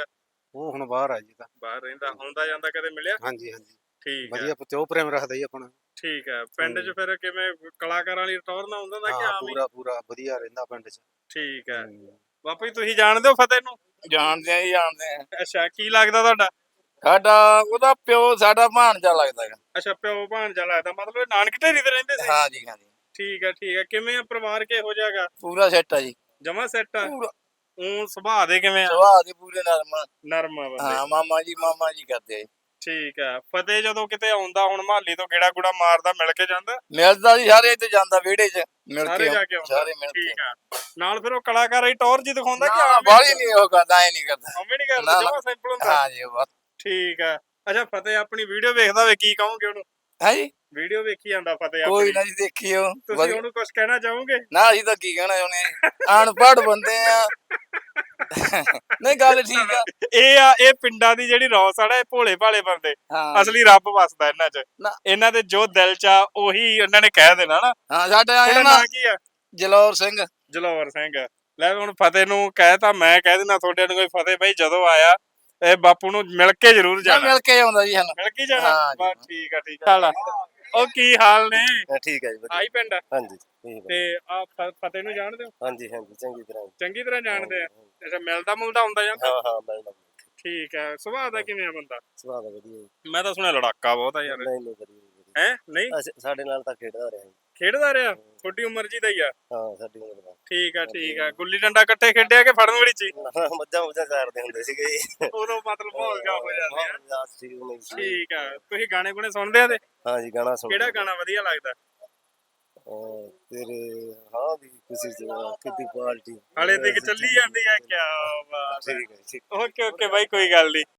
S8: ਉਹ ਹੁਣ ਬਾਹਰ ਆ ਜੀ ਤਾਂ
S2: ਬਾਹਰ ਰਹਿੰਦਾ, ਆਉਂਦਾ ਜਾਂਦਾ ਕਦੇ ਮਿਲਿਆ?
S8: ਹਾਂਜੀ ਹਾਂਜੀ
S2: ਠੀਕ ਹੈ
S8: ਵਧੀਆ ਪਿਓ ਪ੍ਰੇਮ ਰੱਖਦਾ ਜੀ ਆਪਣਾ।
S2: ਠੀਕ ਹੈ। ਪਿੰਡ 'ਚ ਫਿਰ ਕਿਵੇਂ ਕਲਾਕਾਰਾਂ ਵਾਲੀ ਟੌਰ ਨਾ ਹੁੰਦਾ ਹੁੰਦਾ ਕਿ
S8: ਹਾਂ
S2: ਆਮ ਹੀ?
S8: ਪੂਰਾ ਪੂਰਾ ਵਧੀਆ ਰਹਿੰਦਾ ਪਿੰਡ 'ਚ।
S2: ਠੀਕ ਹੈ।
S8: ਹੂੰ।
S2: ਬਾਪੂ ਜੀ ਤੁਸੀਂ ਜਾਣਦੇ ਹੋ ਫਤਿਹ ਨੂੰ?
S9: ਜਾਣਦੇ ਆ ਜੀ ਜਾਣਦੇ ਆ
S2: ਅੱਛਾ, ਕੀ ਲੱਗਦਾ ਤੁਹਾਡਾ?
S9: ਸਾਡਾ ਉਹਦਾ ਪਿਓ ਸਾਡਾ ਭਾਣਜਾ ਲੱਗਦਾ ਹੈਗਾ।
S2: ਅੱਛਾ, ਪਿਓ ਭਾਣਜਾ ਲੱਗਦਾ, ਮਤਲਬ ਇਹ ਨਾਨਕ ਢੇਰੀ ਤੇ ਰਹਿੰਦੇ ਸੀ?
S9: ਹਾਂ ਜੀ ਹਾਂ ਜੀ
S2: ਠੀਕ ਹੈ ਠੀਕ ਹੈ। ਕਿਵੇਂ ਆ ਪਰਿਵਾਰ ਕਿਹੋ ਜਿਹਾ ਗਾ?
S9: ਪੂਰਾ ਸੈੱਟ ਆ ਜੀ
S2: ਜਮਾ ਸੈੱਟ ਆ?
S9: ਪੂਰਾ
S2: ਉਹ ਸੁਭਾਅ ਦੇ ਕਿਵੇਂ ਆ?
S9: ਸੁਭਾਅ ਦੇ ਪੂਰੇ ਨਰਮ ਆ।
S2: ਨਰਮ ਆ ਬੰਦੇ?
S9: ਹਾਂ ਮਾਮਾ ਜੀ ਮਾਮਾ ਜੀ ਕਰਦੇ ਆ ਜੀ।
S2: ਠੀਕ ਹੈ। ਫਤਿਹ ਜਦੋਂ ਕਿਤੇ ਆਉਂਦਾ ਹੁਣ ਮਹਾਲੀ ਤੋਂ ਗੇੜਾ ਗੁੜਾ ਮਾਰਦਾ, ਮਿਲ ਕੇ ਜਾਂਦਾ?
S9: ਮਿਲਦਾ ਜੀ ਸਾਰੇ ਇੱਥੇ ਜਾਂਦਾ ਵਿਹੜੇ 'ਚ ਮਿਲ
S2: ਸਾਰੇ
S9: ਕੇ
S2: ਜਾ ਕੇ ਆਉਂਦਾ?
S9: ਸਾਰੇ ਮਿਲ ਕੇ
S2: ਠੀਕ ਆ। ਨਾਲ ਫਿਰ ਉਹ ਕਲਾਕਾਰ ਹੀ ਟੌਰ ਜੀ ਦਿਖਾਉਂਦਾ ਕਿ
S9: ਨਾ
S2: ਆਮ
S9: ਬਾਹਲੀ ਨਹੀਂ ਉਹ ਕਰਦਾ ਐ ਨਹੀਂ ਕਰਦਾ।
S2: ਉਵੇਂ ਨਹੀਂ
S9: ਨਾ,
S2: ਕਰਦਾ,
S9: ਨਾ।
S2: ਜਮਾ ਸਿੰਪਲ ਹੁੰਦਾ?
S9: ਹਾਂ ਜੀ ਬਸ
S2: ਠੀਕ ਆ। ਅੱਛਾ, ਫਤਿਹ ਆਪਣੀ ਵੀਡੀਓ ਵੇਖਦਾ ਹੋਵੇ, ਕੀ ਕਹੋਗੇ ਉਹਨੂੰ?
S9: ਹੈ ਜੀ
S2: ਵੀਡੀਓ ਵੇਖੀ ਜਾਂਦਾ ਫਤਿਹ
S9: ਕੋਈ
S2: ਆਪਣੀ,
S9: ਨਾ ਜੀ ਦੇਖੀਓ
S2: ਤੁਸੀਂ
S9: ਵਧੀਆ।
S2: ਉਹਨੂੰ ਕੁਝ ਕਹਿਣਾ ਚਾਹੋਗੇ?
S9: ਨਾ ਅਸੀਂ ਤਾਂ ਕੀ ਕਹਿਣਾ ਚਾਹੁੰਦੇ ਆ ਅਨਪੜ੍ਹ ਬੰਦੇ ਆ ਨਹੀਂ ਗੱਲ ਠੀਕ ਆ।
S2: ਇਹ ਆ ਇਹ ਪਿੰਡਾਂ ਦੀ ਜਿਹੜੀ ਰੌਸ ਆ ਨਾ, ਇਹ ਭੋਲੇ ਭਾਲੇ ਬੰਦੇ,
S9: ਹਾਂ
S2: ਅਸਲੀ ਰੱਬ ਵਸਦਾ ਇਹਨਾਂ 'ਚ।
S9: ਨਾ।
S2: ਇਹਨਾਂ ਦੇ ਜੋ ਦਿਲ 'ਚ ਆ ਉਹੀ ਇਹਨਾਂ ਨੇ ਕਹਿ ਦੇਣਾ ਨਾ।
S9: ਹਾਂ ਸਾਡੇ ਆਏ
S2: ਤੁਹਾਡਾ
S9: ਨਾ
S2: ਨਾਂ ਕੀ ਆ?
S9: ਜਲੌਰ ਸਿੰਘ।
S2: ਜਲੌਰ ਸਿੰਘ। ਲੈ ਹੁਣ ਫਤਿਹ ਨੂੰ ਕਹਿ ਤਾਂ ਮੈਂ ਕਹਿ ਦੇਣਾ ਤੁਹਾਡੇ ਨੂੰ, ਕੋਈ ਫਤਿਹ ਬਾਈ ਜਦੋਂ ਆਇਆ ਇਹ ਬਾਪੂ ਨੂੰ ਮਿਲ ਕੇ ਜ਼ਰੂਰ
S9: ਨਾ
S2: ਜਾਣਾ।
S9: ਮਿਲ ਕੇ ਆਉਂਦਾ ਜੀ ਸਾਨੂੰ।
S2: ਮਿਲ ਕੇ ਜਾਣਾ?
S9: ਹਾਂ ਜੀ।
S2: ਬਸ ਠੀਕ ਆ ਠੀਕ ਆ। ਚੱਲ ਉਹ ਕੀ ਹਾਲ ਨੇ?
S8: ਠੀਕ ਹੈ ਜੀ ਵਧੀਆ।
S2: ਆਈ ਪਿੰਡ?
S8: ਹਾਂਜੀ ਠੀਕ
S2: ਤੇ ਆ ਫਤਿਹ ਨੂੰ ਜਾਣਦੇ ਹੋ?
S8: ਹਾਂਜੀ ਹਾਂਜੀ ਚੰਗੀ ਤਰ੍ਹਾਂ।
S2: ਚੰਗੀ ਤਰ੍ਹਾਂ ਜਾਣਦੇ ਆ? ਅੱਛਾ, ਮਿਲਦਾ ਮੁਲਦਾ ਹੁੰਦਾ ਜਾਂਦਾ?
S8: ਹਾਂ ਹਾਂ ਮਿਲਦਾ।
S2: ਠੀਕ ਹੈ। ਸੁਭਾਅ ਦਾ ਕਿਵੇਂ ਆ ਬੰਦਾ?
S8: ਸੁਭਾਅ ਦਾ ਵਧੀਆ।
S2: ਮੈਂ ਤਾਂ ਸੁਣਿਆ ਲੜਾਕਾ ਬਹੁਤ ਆ ਯਾਰ।
S8: ਨਹੀਂ ਨਹੀਂ ਵਧੀਆ।
S2: ਹੈ ਨਹੀਂ
S8: ਸਾਡੇ ਨਾਲ ਤਾਂ ਖੇਡਦਾ ਰਿਹਾ ਜੀ।
S2: ਖੇਡਦਾ ਰਿਹਾ? ਤੁਹਾਡੀ ਉਮਰ ਜੀ ਦਾ ਹੀ ਆ?
S8: ਹਾਂ ਸਾਡੀ ਉਮਰ ਦਾ।
S2: ਠੀਕ ਆ ਠੀਕ ਆ। ਗੁੱਲੀ ਡੰਡਾ ਇਕੱਠੇ ਖੇਡਿਆ ਕਿ ਫੜਨ ਵਾਲੀ ਚ ਹੀ?
S8: ਮੱਝਾਂ ਮੁੱਝਾਂ ਚਾਰਦੇ ਹੁੰਦੇ ਸੀਗੇ ਜੀ।
S2: ਉਦੋਂ ਮਤਲਬ ਮਾਹੌਲ ਜਾ ਹੋ ਜਾਂਦਾ ਹੈ।
S8: ਹਾਂ ਠੀਕ ਨਹੀਂ ਸੀ।
S2: ਠੀਕ ਆ। ਤੁਸੀਂ ਗਾਣੇ ਗੁਣੇ ਸੁਣਦੇ ਆ ਤੇ?
S8: ਹਾਂ ਜੀ ਗਾਣਾ ਸੁਣ।
S2: ਕਿਹੜਾ ਗਾਣਾ ਵਧੀਆ ਲੱਗਦਾ?
S8: ਤੇਰੇ ਹਾਂ ਦੀ ਖੁਸ਼ੀ ਚ ਕਿੱਡੀ ਪਾਰਟੀ
S2: ਹਲੇ ਤੱਕ ਚੱਲੀ ਜਾਂਦੀ ਆ? ਕਿਆ ਬਾਤ ਹੈ।
S8: ਠੀਕ ਹੈ ਠੀਕ।
S2: ਓਕੇ ਓਕੇ ਬਾਈ, ਕੋਈ ਗੱਲ ਨਹੀਂ।